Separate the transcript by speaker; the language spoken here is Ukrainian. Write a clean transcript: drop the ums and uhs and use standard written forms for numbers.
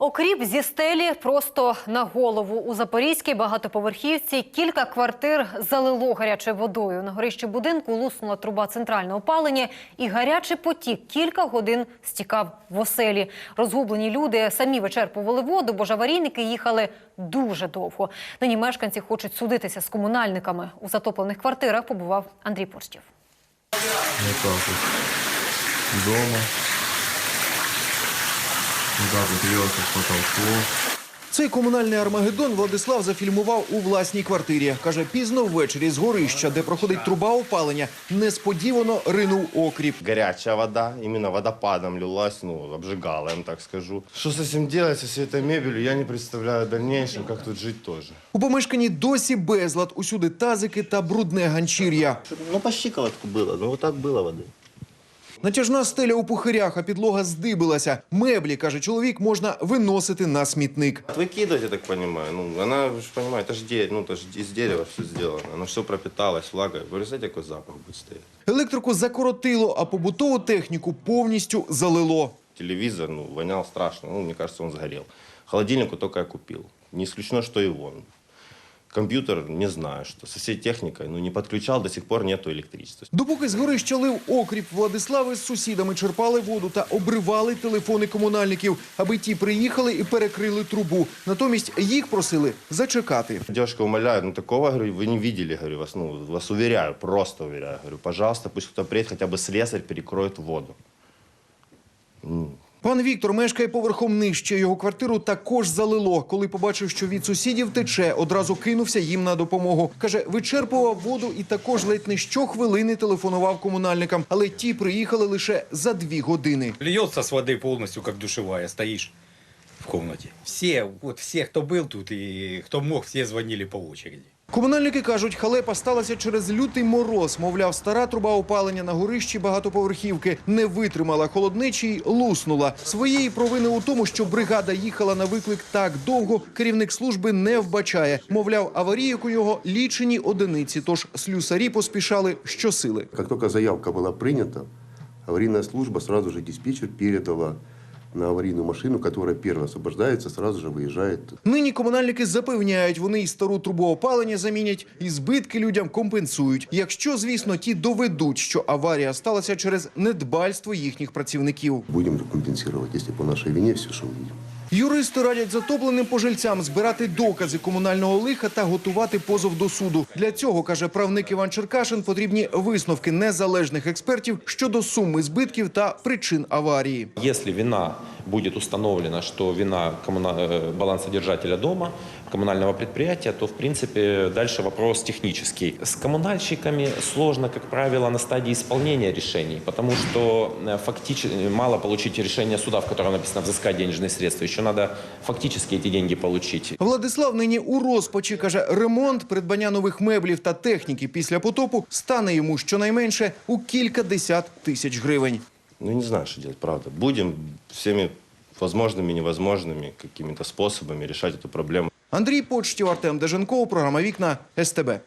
Speaker 1: Окріп зі стелі просто на голову. У Запорізькій багатоповерхівці кілька квартир залило гарячою водою. На горищі будинку луснула труба центрального опалення і гарячий потік кілька годин стікав в оселі. Розгублені люди самі вичерпували воду, бо ж аварійники їхали дуже довго. Нині мешканці хочуть судитися з комунальниками. У затоплених квартирах побував Андрій Порстів.
Speaker 2: Дома. К потолку.
Speaker 3: Цей комунальний армагеддон Владислав зафільмував у власній квартирі. Каже, пізно ввечері з горища, де проходить труба опалення, несподівано ринув окріп.
Speaker 4: Горячая вода, именно водопадом лилась, обжигала, я вам так скажу. Что с этим делать, со всей этой мебелью, я не представляю в дальнейшем, как тут жить тоже.
Speaker 3: У помешканні досі безлад, усюди тазики та брудне ганчір'я.
Speaker 4: По щиколотку было, вот так было воды.
Speaker 3: Натяжна стеля у пухирях, а підлога здибилася. Меблі, каже чоловік, можна виносити на смітник.
Speaker 4: Выкидывать, я так понимаю, она, вы же понимаете, это же из дерева все сделано, оно все пропиталось влагой. Вы знаете, какой запах будет стоять?
Speaker 3: Електрику закоротило, а побутову техніку повністю залило.
Speaker 4: Телевизор, вонял страшно, мне кажется, он сгорел. Холодильник только я купил, не исключено, что и он. Комп'ютер, не знаю, що. З усією технікою, не підключав, до сих пор нету електричества.
Speaker 3: Допоки з горища лив окріп, Владислави з сусідами черпали воду та обривали телефони комунальників, аби ті приїхали і перекрили трубу. Натомість їх просили зачекати.
Speaker 4: Девушка умоляет, такого, говорю, вы не видели, говорю, вас уверяю, просто уверяю, говорю, пожалуйста, пусть кто-то приедет, хотя бы слесарь перекроет воду.
Speaker 3: Пан Віктор мешкає поверхом нижче. Його квартиру також залило. Коли побачив, що від сусідів тече, одразу кинувся їм на допомогу. Каже, вичерпував воду і також ледь не щохвилини телефонував комунальникам. Але ті приїхали лише за 2 години.
Speaker 5: Льется с воды полностью, как душевая, стоишь в комнате. Все, кто был тут и кто мог, все звонили по очереди.
Speaker 3: Комунальники кажуть, халепа сталася через лютий мороз. Мовляв, стара труба опалення на горищі багатоповерхівки не витримала холоднечі й луснула. Своєї провини у тому, що бригада їхала на виклик так довго, керівник служби не вбачає. Мовляв, аварійок у його лічені одиниці, тож слюсарі поспішали щосили.
Speaker 6: Как только заявка была принята, аварийная служба сразу же диспетчер передала на аварийную машину, которая первая освобождается, сразу же выезжает.
Speaker 3: Нині комунальники запевняють, вони і стару трубу опалення замінять, і збитки людям компенсують. Якщо, звісно, ті доведуть, що аварія сталася через недбальство їхніх працівників.
Speaker 6: Будем компенсировать, если по нашей вине все, что увидим.
Speaker 3: Юристи радять затопленим пожильцям збирати докази комунального лиха та готувати позов до суду. Для цього, каже правник Іван Черкашин, потрібні висновки незалежних експертів щодо суми збитків та причин аварії.
Speaker 7: Если вина будет установлена, что вина балансодержателя дома, коммунального предприятия, то, в принципе, дальше вопрос технический. С коммунальщиками сложно, как правило, на стадии исполнения решений, потому что фактически мало получить решение суда, в котором написано «взыскать денежные средства». Еще надо фактически эти деньги получить.
Speaker 3: Владислав нині у розпачі, каже, ремонт, придбання нових меблів та техніки після потопу стане йому щонайменше у кілька десят тисяч гривень.
Speaker 4: Не знаю, что делать, правда. Будем всеми возможными и невозможными какими-то способами решать эту проблему.
Speaker 3: Андрій Почтів, Артем Деженков, програма «Вікна», СТБ.